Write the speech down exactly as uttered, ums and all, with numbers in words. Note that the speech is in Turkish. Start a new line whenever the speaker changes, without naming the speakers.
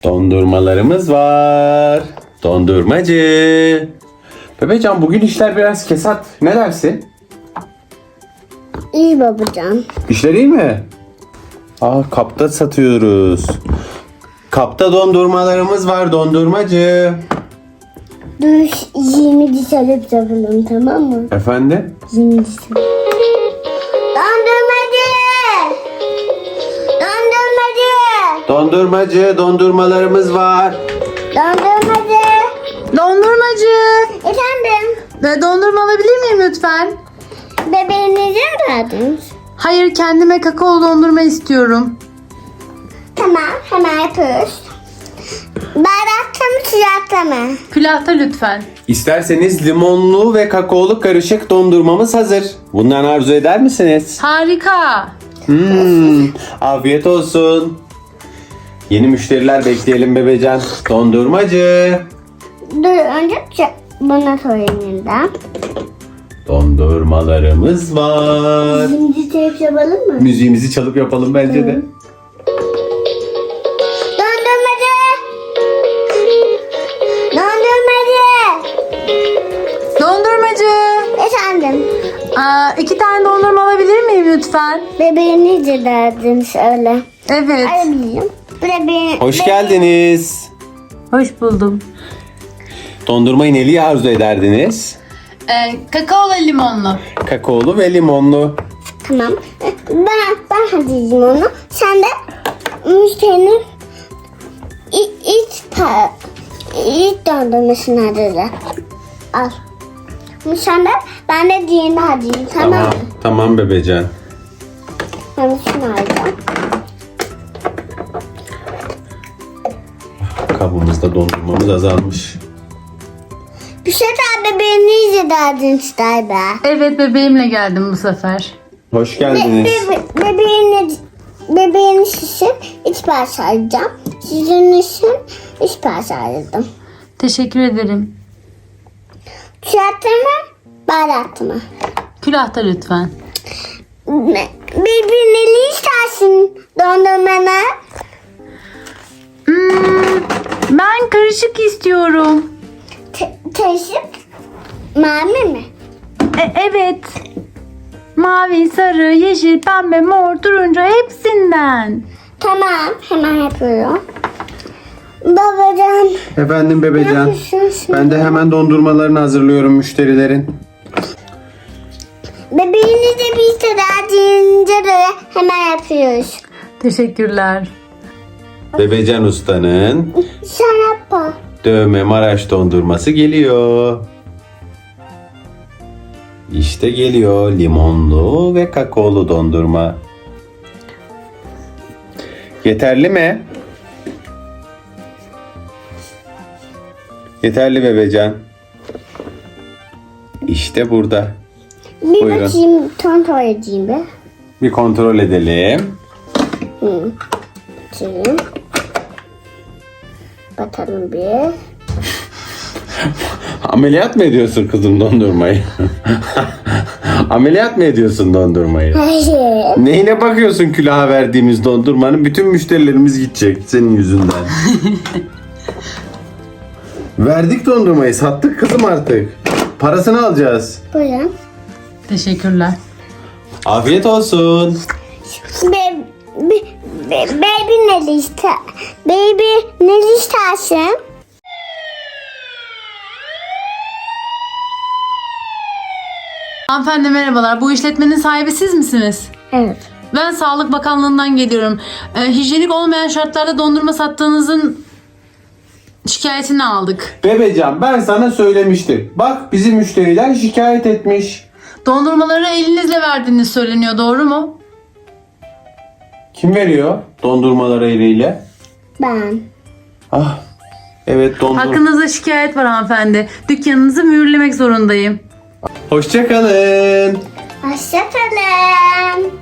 Dondurmalarımız var. Dondurmacı. Bebecan, bugün işler biraz kesat. Ne dersin?
İyi babacan.
İşler iyi mi? Aa, kapta satıyoruz. Kapta dondurmalarımız var dondurmacı.
Dur yirmi diş alıp yapalım, tamam mı?
Efendim?
yirmi diş alıp. Dondurmacı! Dondurmacı!
Dondurmacı, dondurmalarımız var.
Dondurmacı!
Dondurmacı.
Efendim?
Ve dondurma alabilir miyim lütfen?
Bebeğinize mi verdiniz?
Hayır, kendime kakaolu dondurma istiyorum.
Tamam, hemen yapıyoruz. Bardakta mı, sıcakta mı?
Külahta lütfen.
İsterseniz limonlu ve kakaolu karışık dondurmamız hazır. Bundan arzu eder misiniz?
Harika.
Hmm, afiyet olsun. Yeni müşteriler bekleyelim Bebecan. Dondurmacı.
Dur önce ç- buna sorayım yeniden.
Dondurmalarımız var.
Şimdi teyip yapalım mı?
Müziğimizi çalıp yapalım bence de.
Dondurmacı! Dondurmacı!
Dondurmacı.
Efendim?
Aa, iki tane dondurma alabilir miyim lütfen?
Bebeğinize derdiniz öyle.
Evet.
Alabilirim. Bebeğin,
Hoş geldiniz.
Hoş buldum.
Dondurmayı neli arzu ederdiniz?
Ee, kakaolu limonlu.
Kakaolu ve limonlu.
Tamam. Ben, ben hazırlayayım onu. Sen de müşterinin ilk, ilk, pa- ilk dondurmasını hazırla. Al. Sen de ben de diğerini hazırlayayım, tamam mı?
Tamam, tamam Bebecan.
Ben de şunu alacağım.
Kabımızda dondurmamız azalmış.
Bir şey daha bebeğinize derdiniz galiba.
Evet, bebeğimle geldim bu sefer.
Hoş
Be,
geldiniz.
be, bebeğiniz, bebeğiniz için iç parça alacağım. Sizin için iç parça aldım.
Teşekkür ederim.
Çiğattı mı? Baharatlı mı?
Külahta lütfen.
Birbirini istersin dondurmanı.
Hmm, ben karışık istiyorum.
Te- Teşhip mavi mi?
E, evet. Mavi, sarı, yeşil, pembe, mor, turuncu hepsinden.
Tamam, hemen yapıyorum. Babacan,
Efendim Bebecan.
yapıyorsun şimdi?
Ben de hemen dondurmalarını hazırlıyorum müşterilerin.
Bebeğinize bir sıra deyince de hemen yapıyoruz.
Teşekkürler.
Bebecan Usta'nın
Şarapa.
dövme Maraş dondurması geliyor. İşte geliyor limonlu ve kakaolu dondurma. Yeterli mi? Yeterli Bebecan. İşte burada.
Bir
Buyurun.
bakayım, kontrol edeyim bir.
Bir kontrol edelim.
Hı. Bakayım. Bakalım bir.
Ameliyat mı ediyorsun kızım dondurmayı? Ameliyat mı ediyorsun dondurmayı?
Hayır.
Neyine bakıyorsun külaha verdiğimiz dondurmanın? Bütün müşterilerimiz gidecek senin yüzünden. Verdik dondurmayı, sattık kızım artık. Parasını alacağız.
Buyurun.
Teşekkürler.
Afiyet olsun.
Be, be, be, baby ne liste? Baby ne listersin?
Hanımefendi merhabalar. Bu işletmenin sahibi siz misiniz?
Evet.
Ben Sağlık Bakanlığı'ndan geliyorum. Ee, hijyenik olmayan şartlarda dondurma sattığınızın şikayetini aldık.
Bebecan, ben sana söylemiştim. Bak bizim müşteriler şikayet etmiş.
Dondurmaları elinizle verdiğiniz söyleniyor, doğru mu?
Kim veriyor dondurmaları eliyle?
Ben.
Ah, evet dondurma.
Hakkınızda şikayet var hanımefendi. Dükkanınızı mühürlemek zorundayım.
Hoşça kalın.
Hoşçakalın.